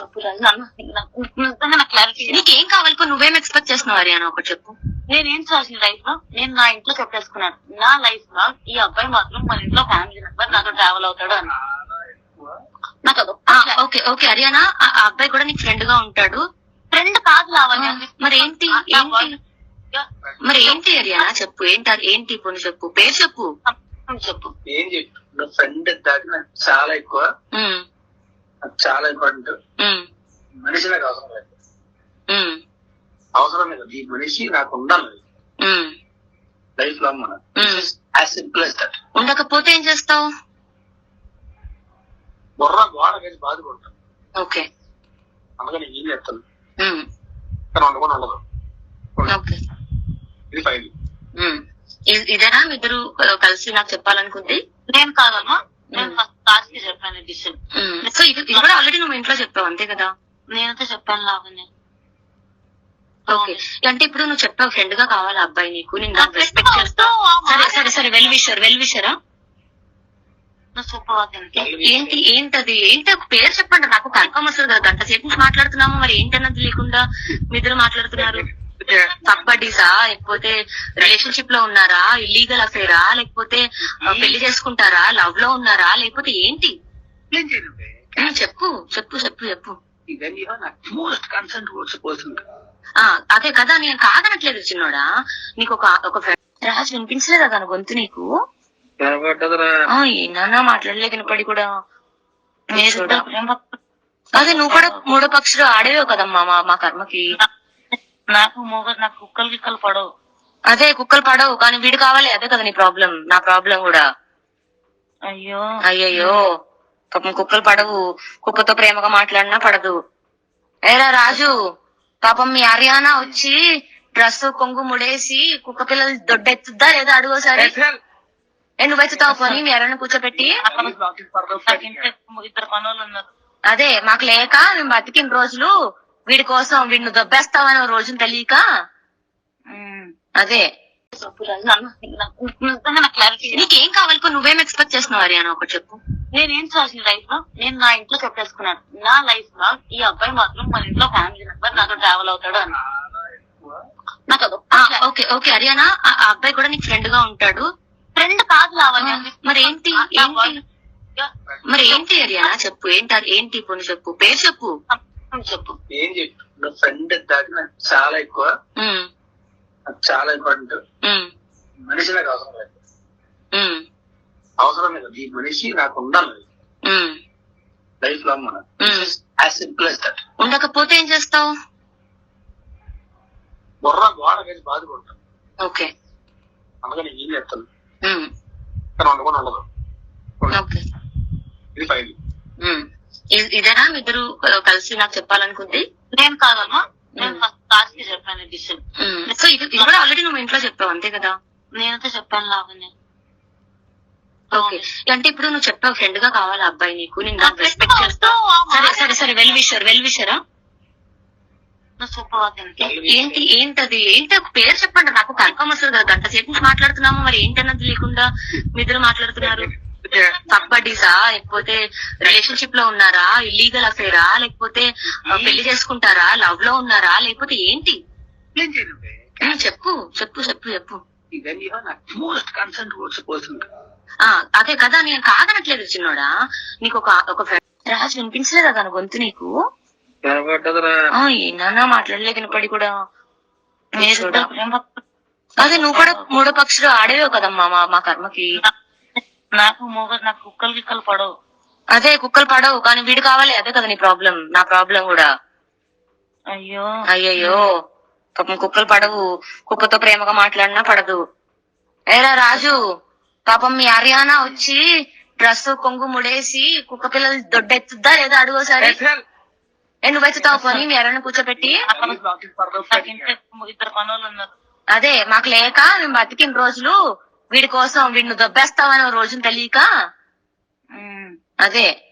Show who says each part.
Speaker 1: నీకేం కావాలి? నువ్వేం ఎక్స్పెక్ట్ చేస్తున్నావు హరియానా? ఒకటి చెప్పు.
Speaker 2: నేనేం చేసిన లైఫ్ లో నేను నా ఇంట్లో చెప్పేసుకున్నాను. నా లైఫ్ లో ఈ అబ్బాయి మాత్రం మన ఇంట్లో ఫ్యామిలీ మెంబర్ నాతో ట్రావెల్ అవుతాడు అని. నాకు
Speaker 1: ఓకే ఓకే హరియానా, ఆ అబ్బాయి కూడా నీకు ఫ్రెండ్ గా ఉంటాడు.
Speaker 2: ఫ్రెండ్ కాదు లావణ్య.
Speaker 1: మరి ఏంటి మరి ఏంటి హరియానా? చెప్పు ఏంటి ఇప్పుడు చెప్పు, పేరు చెప్పు.
Speaker 2: చెప్పు
Speaker 3: ఏం చెప్పు. ఫ్రెండ్ దాకా నాకు చాలా ఎక్కువ, చాలా ఇంపార్టెంట్. మనిషి నాకు అవసరం లేదు, అవసరం లేదు. ఈ మనిషి నాకు ఉండాలి లైఫ్ లో. మన యాజ్ సింపుల్ as that.
Speaker 1: ఉండకపోతే ఏం చేస్తావు?
Speaker 3: బుర్ర గోడ వేసి బాధపడతాను.
Speaker 1: ఓకే,
Speaker 3: అందుకని ఏం చేస్తాను కానీ వండుకొని ఉండదు. ఇది ఫైల్.
Speaker 1: ఇదేనా ఇద్దరు కలిసి నాకు చెప్పాలనుకుంది?
Speaker 2: నేను కాదమ్మా, నేను ఫస్ట్ క్లాస్ కి చెప్పాను డిసిషన్.
Speaker 1: సో ఇది కూడా ఆల్రెడీ నువ్వు ఇంట్లో చెప్పావు అంతే కదా?
Speaker 2: నేనైతే చెప్పాను లావణ్య.
Speaker 1: ఓకే, అంటే ఇప్పుడు నువ్వు చెప్పావు ఫ్రెండ్ గా కావాలి అబ్బాయి నీకు, నేను రెస్పెక్ట్ చేస్తా. సరే సరే సరే, వెల్ విషరా. ఏంటది ఒక పేరు చెప్పండి నాకు, కన్ఫర్మ్ వస్తుంది కదా. గంట సేపు నుంచి మాట్లాడుతున్నాము, మరి ఏంటన్నది లేకుండా మీ ఇద్దరు మాట్లాడుతున్నారు. కబ్బడీసా, లేకపోతే రిలేషన్షిప్ లో ఉన్నారా, ఇల్లీగల్ అఫేరా, లేకపోతే పెళ్లి చేసుకుంటారా, లవ్ లో ఉన్నారా, లేకపోతే ఏంటి? చెప్పు చెప్పు చెప్పు చెప్పు. అదే కదా, నేను కాదనట్లేదు చిన్నోడా. నీకు ఒక రాజు వినిపించలేదా తన గొంతు నీకు? ఏనా మాట్లాడలేదు వినపడి కూడా. అదే నువ్వు కూడా మూడో పక్షులు ఆడేవో కదమ్మా మా కర్మకి.
Speaker 2: నాకు కుక్కలు గిక్కలు పడవు.
Speaker 1: అదే కుక్కలు పడవు, కానీ వీడు కావాలి. అదే కదా నీ ప్రాబ్లం, నా ప్రాబ్లం కూడా. అయ్యయ్యో పాపం కుక్కలు పడవు, కుక్కతో ప్రేమగా మాట్లాడినా పడదు. ఏరా రాజు, పాపం మీ హరియానా వచ్చి డ్రెస్ కొంగు ముడేసి కుక్క పిల్లలు దొడ్డెత్తుద్దా లేదా అడుగోసారి. నువ్వు ఎత్తుతావు పోనీ మీ హరియానా కూర్చోబెట్టి.
Speaker 2: ఇద్దరు పనులు ఉన్నారు.
Speaker 1: అదే మాకు లేక మేము బతికిన రోజులు వీడి కోసం వీడిని దొబ్బేస్తామని రోజును తెలియక. అదే నీకేం కావాలి? నువ్వేం ఎక్స్పెక్ట్ చేస్తున్నావు హరియానా? ఒకటి చెప్పు.
Speaker 2: నేనేం చేసిన లైఫ్ లో నేను నా ఇంట్లో చెప్పేసుకున్నాను. నా లైఫ్ లో ఈ అబ్బాయి మాత్రం మన ఇంట్లో ఫ్యామిలీ మెంబర్ నాతో ట్రావెల్ అవుతాడు అని.
Speaker 1: ఓకే ఓకే హరియానా, ఆ అబ్బాయి కూడా నీకు ఫ్రెండ్ గా ఉంటాడు.
Speaker 2: ఫ్రెండ్ కాదు లావణ్య.
Speaker 1: మరి ఏంటి హరియానా? చెప్పు ఏంటి ఇప్పుడు చెప్పు, పేరు చెప్పు.
Speaker 3: చెప్పు ఏం చెప్పు. ఫ్రెండ్ దాకా నాకు చాలా ఎక్కువ, చాలా ఇంపార్టెంట్. మనిషి నాకు అవసరం లేదు, అవసరం లేదు. ఈ మనిషి నాకు ఉండాలి లైఫ్ లో. మన యాజ్ సింపుల్ as that.
Speaker 1: ఉండకపోతే ఏం చేస్తావు?
Speaker 3: బుర్ర గోడ వేసి బాధపడతాను.
Speaker 1: ఓకే,
Speaker 3: అందుకని ఏం చేస్తాను కానీ వండుకొని ఉండదు. ఇది ఫైల్.
Speaker 1: ఇదేనా ఇద్దరు కలిసి నాకు చెప్పాలనుకుంది?
Speaker 2: నేను కాదమ్మా, నేను ఫస్ట్ క్లాస్ కి చెప్పాను డిసిషన్.
Speaker 1: సో ఇది కూడా ఆల్రెడీ నువ్వు ఇంట్లో చెప్పావు అంతే కదా?
Speaker 2: నేనైతే చెప్పాను లావణ్య.
Speaker 1: ఓకే, అంటే ఇప్పుడు నువ్వు చెప్పావు ఫ్రెండ్ గా కావాలి అబ్బాయి నీకు, నేను రెస్పెక్ట్ చేస్తా. సరే సరే సరే, వెల్ విషరా. ఏంటి ఒక పేరు చెప్పండి నాకు, కన్ఫర్మ్ వస్తుంది కదా. గంట సేపు నుంచి మాట్లాడుతున్నాము, మరి ఏంటన్నది లేకుండా మీ ఇద్దరు మాట్లాడుతున్నారు. కబ్బడీసా, లేకపోతే రిలేషన్షిప్ లో ఉన్నారా, ఇల్లీగల్ అఫేరా, లేకపోతే పెళ్లి చేసుకుంటారా, లవ్ లో ఉన్నారా, లేకపోతే ఏంటి? చెప్పు చెప్పు చెప్పు చెప్పు. అదే కదా, నేను కాదనట్లేదు చిన్నోడా. నీకు ఒక రాజు వినిపించలేదా తన గొంతు నీకు? ఏనా మాట్లాడలేదు వినపడి కూడా. అదే నువ్వు కూడా మూడో పక్షులు ఆడేవో కదమ్మా మా కర్మకి.
Speaker 2: నాకు కుక్కలు గిక్కలు పడవు.
Speaker 1: అదే కుక్కలు పడవు, కానీ వీడు కావాలి. అదే కదా నీ ప్రాబ్లం, నా ప్రాబ్లం కూడా. అయ్యయ్యో పాపం కుక్కలు పడవు, కుక్కతో ప్రేమగా మాట్లాడినా పడదు. ఏరా రాజు, పాపం మీ హరియానా వచ్చి డ్రెస్ కొంగు ముడేసి కుక్క పిల్లలు దొడ్డెత్తుద్దా లేదా అడుగోసారి. నువ్వు ఎత్తుతావు పోనీ మీ హరియానా కూర్చోబెట్టి.
Speaker 2: ఇద్దరు పనులు ఉన్నారు.
Speaker 1: అదే మాకు లేక మేము బతికిన రోజులు వీడి కోసం వీడిని దొబ్బేస్తామని రోజును తెలియక. అదే